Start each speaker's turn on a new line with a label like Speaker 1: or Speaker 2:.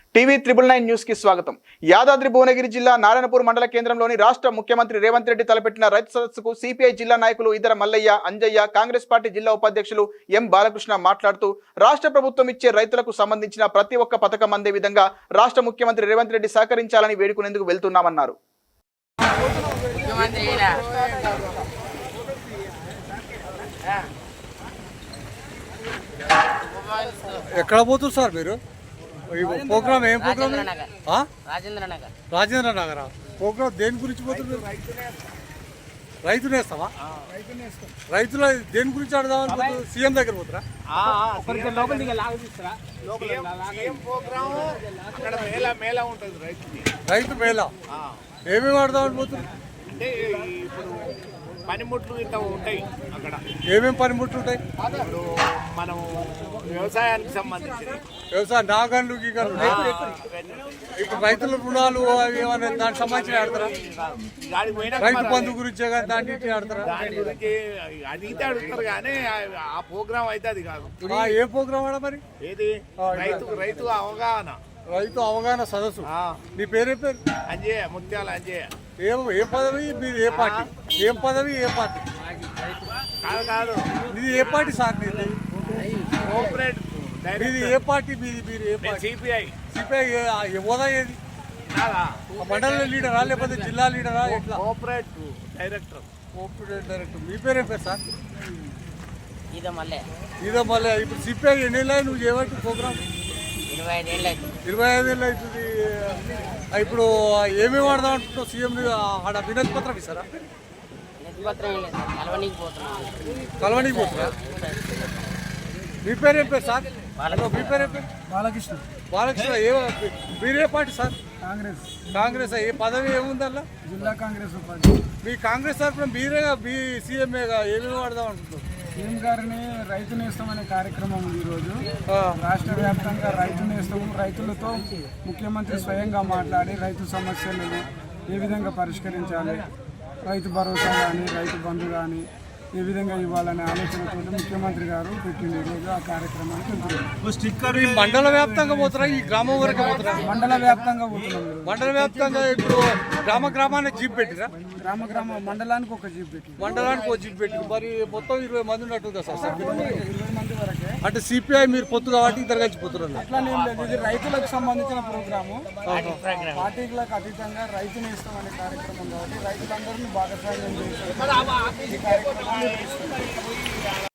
Speaker 1: TV 999 news కి స్వాగతం. యాదాద్రి భువనగిరి జిల్లా నారాయణపూర్ మండల కేంద్రంలోని రాష్ట్ర ముఖ్యమంత్రి రేవంత్ రెడ్డి తలపెట్టిన రైతు సదస్సుకు సిపిఐ జిల్లా నాయకులు ఇద్దర మల్లయ్య, అంజయ్య, కాంగ్రెస్ పార్టీ జిల్లా ఉపాధ్యక్షులు ఎం బాలకృష్ణ మాట్లాడుతూ రాష్ట్ర ప్రభుత్వం ఇచ్చే రైతులకు సంబంధించిన ప్రతి ఒక్క పథకం అందే విధంగా రాష్ట్ర ముఖ్యమంత్రి రేవంత్ రెడ్డి సహకరించాలని వేడుకునేందుకు వెళ్తున్నామన్నారు.
Speaker 2: ఎక్కడ పోతుంది సార్ మీరు? ప్రోగ్రామ్ ఏం ప్రోగ్రామ్? రాజేంద్ర నగర్ ప్రోగ్రామ్ దేని గురించి పోతుంది? రైతు నేస్తావా? రైతుల దేని గురించి ఆడదామని సీఎం దగ్గర పోతారా? రైతు మేళా ఏమేమి ఆడదామని పోతుంది?
Speaker 3: పనిముట్లు ఇంత ఉంటాయి అక్కడ. ఏమేమి
Speaker 2: పనిముట్లు ఉంటాయి?
Speaker 3: ఇప్పుడు మనం వ్యవసాయానికి సంబంధించి
Speaker 2: వ్యవసాయ నాగన్లు గీగన్లు ఇప్పుడు రైతుల రుణాలు అవి ఏమైనా దానికి సంబంధించి ఆడతారా? రైతు బంధు గురించి దాన్ని ఆడతారా?
Speaker 3: దాని గురించి అడిగితే అడుగుతారు కానీ ఆ ప్రోగ్రామ్ అయితే అది కాదు.
Speaker 2: ఏ ప్రోగ్రామ్ ఆడ మరి?
Speaker 3: ఏది రైతు అవగాహన,
Speaker 2: రైతు అవగాహన సదస్సు. నీ పేరే పేరు?
Speaker 3: అంజయ్య, ముత్యాల అంజయ్య.
Speaker 2: ఏ పదవి? మీరు ఏ పార్టీ? ఏం పదవి? ఏ పార్టీ?
Speaker 3: కాదు
Speaker 2: ఇది ఏ పార్టీ సార్? మీది
Speaker 3: కోఆపరేట్.
Speaker 2: మీది ఏ పార్టీ? మీరు ఏ పార్టీ?
Speaker 3: సిపిఐ.
Speaker 2: సిపిఐ హోదా ఏది? మండల లీడరా లేకపోతే జిల్లా లీడరా? ఎట్లా?
Speaker 3: Cooperate director.
Speaker 2: Cooperate director. మీ పేరు ఏం పేరు సార్?
Speaker 4: ఇదో మళ్ళీ.
Speaker 2: ఇప్పుడు సిపిఐ ఎన్ని ఏళ్ళు నువ్వు చేయబట్టి ప్రోగ్రామ్?
Speaker 4: 25 ఏళ్ళు
Speaker 2: అవుతుంది. ఇప్పుడు ఏమేమి వాడదాం అంటున్నావు? సీఎం ఆడ వినతి పత్రం ఇస్తారా? కలవనీకి పోతున్నా. మీ పేరు ఏం పేరు సార్? మీ పేరు ఏం పేరు?
Speaker 5: బాలకృష్ణ.
Speaker 2: మీరే పార్టీ సార్? కాంగ్రెస్. ఏ పదవి ఏముందల్లా?
Speaker 5: జిల్లా కాంగ్రెస్ ఉపాధ్యక్షుడు.
Speaker 2: మీ కాంగ్రెస్ తరఫున మీరేగా మీ సీఎంఏగా ఏమేమి వాడదాం అంటున్నారు?
Speaker 5: సీఎం గారిని రైతు నేస్తం అనే కార్యక్రమం ఉంది ఈరోజు. రాష్ట్ర వ్యాప్తంగా రైతు నేస్తం, రైతులతో ముఖ్యమంత్రి స్వయంగా మాట్లాడి రైతు సమస్యలను ఏ విధంగా పరిష్కరించాలి, రైతు భరోసా కానీ రైతు బంధు కానీ ఏ విధంగా ఇవ్వాలనే ఆలోచనతో ముఖ్యమంత్రి గారు పెట్టింది ఈరోజు ఆ కార్యక్రమానికి వెళ్తున్నారు.
Speaker 2: మండల వ్యాప్తంగా పోతారా? ఈ గ్రామం వరకు పోతారా?
Speaker 5: మండల వ్యాప్తంగా పోతున్నాం.
Speaker 2: మండల వ్యాప్తంగా ఇప్పుడు గ్రామానికి జీప్ పెట్టిరా?
Speaker 5: మండలానికి ఒక జీప్ పెట్టి
Speaker 2: మండలానికి ఒక జీప్ పెట్టి మరి మొత్తం 20 మంది ఉన్నట్టుందా సార్?
Speaker 5: 20 మంది వరకే.
Speaker 2: అంటే సిపిఐ మీరు పొత్తు కాబట్టి ఇద్దరు కలిసి పోతున్నారు.
Speaker 5: అట్లానే ఏం లేదు, ఇది రైతులకు సంబంధించిన ప్రోగ్రాము. పార్టీలకు అతీతంగా రైతు నేస్తం అనే కార్యక్రమం కాబట్టి రైతులందరినీ భాగస్వామ్యం చేసి ఈ కార్యక్రమాన్ని